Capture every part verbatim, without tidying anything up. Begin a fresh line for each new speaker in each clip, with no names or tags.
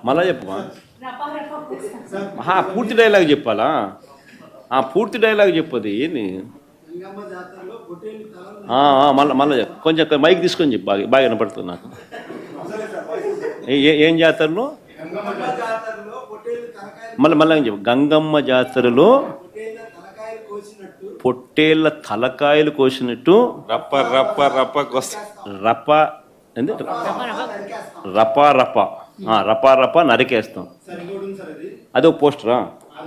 మళ్ళా చెప్పు. పూర్తి డైలాగ్ చెప్పాలా? పూర్తి డైలాగ్ చెప్పదు ఏంది? మళ్ళీ మళ్ళీ కొంచెం మైక్ తీసుకొని చెప్పు, బాగా బాగా వినపడుతుంది నాకు. ఏం జాతరలో? మళ్ళీ మళ్ళీ చెప్పు. గంగమ్మ జాతరలో పొట్టేళ్ళ తలకాయలు కోసినట్టు
రప్ప రప్ప రప్ప
రప్ప ఏంది రపా రప రపా రప నరికేస్తాం. అదొక పోస్టరా?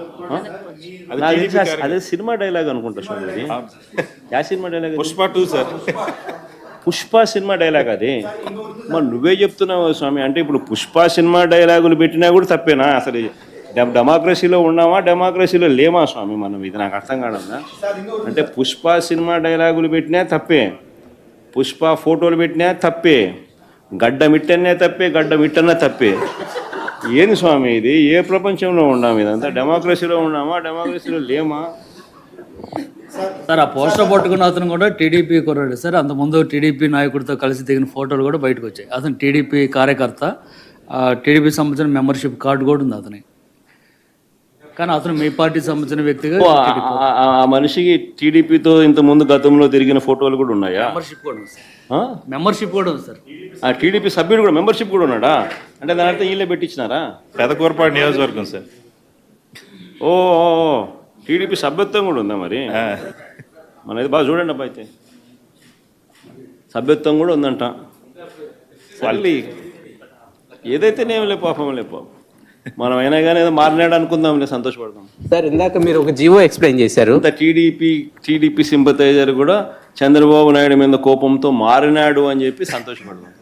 అదే సినిమా డైలాగ్ అనుకుంటా స్వామి. యా cinema dialogue?
Pushpa two sir.
Pushpa cinema dialogue అది. మరి నువ్వే చెప్తున్నావు స్వామి. అంటే ఇప్పుడు పుష్ప సినిమా డైలాగులు పెట్టినా కూడా తప్పేనా? అసలు డెమోక్రసీలో ఉన్నామా డెమోక్రసీలో లేమా స్వామి మనం? ఇది నాకు అర్థం కాదన్నా. అంటే పుష్ప సినిమా డైలాగులు పెట్టినా తప్పే, పుష్ప ఫోటోలు పెట్టినా తప్పే, గడ్డ మిట్టనే తప్పే, గడ్డ మిట్టనే తప్పే. ఏంది స్వామి ఇది? ఏ ప్రపంచంలో ఉన్నాము? ఇదంతా డెమోక్రసీలో ఉన్నామా డెమోక్రసీలో లేమా?
సార్ ఆ పోస్టర్ పట్టుకున్న అతను కూడా టీడీపీ కుర్రాడు సార్. అంతకుముందు టీడీపీ నాయకుడితో కలిసి దిగిన ఫోటోలు కూడా బయటకు వచ్చాయి. అతను టీడీపీ కార్యకర్త, టీడీపీ సంబంధించిన మెంబర్షిప్ కార్డు కూడా ఉంది అతని. కానీ అతను మీ పార్టీ సంబంధించిన వ్యక్తిగా
ఆ మనిషికి టీడీపీతో ఇంత ముందు గతంలో తిరిగిన ఫోటోలు కూడా ఉన్నాయా?
మెంబర్షిప్ కూడా ఉంది సార్. మెంబర్షిప్ కూడా ఉంది సార్.
ఆ టీడీపీ సభ్యుడు కూడా మెంబర్షిప్ కూడా ఉన్నాడా? అంటే దాని అర్థం వీళ్ళే పెట్టించినారా?
పెదకూరపాడు నియోజకవర్గం సార్.
ఓ టీడీపీ సభ్యత్వం కూడా ఉందా మరి? మనది బాగా చూడండి అబ్బా. అయితే సభ్యత్వం కూడా ఉందంట. మళ్ళీ ఏదైతేనేం లే పాపం లే పాపం. మనం అయినా కానీ ఏదో మారినాడు అనుకుందాంలే, సంతోషపడదాం.
సార్ ఇందాక మీరు ఒక జీవో ఎక్స్ప్లెయిన్ చేశారు.
టీడీపీ టీడీపీ సింపతైజర్ కూడా చంద్రబాబు నాయుడు మీద కోపంతో మారినాడు అని చెప్పి సంతోషపడదాం.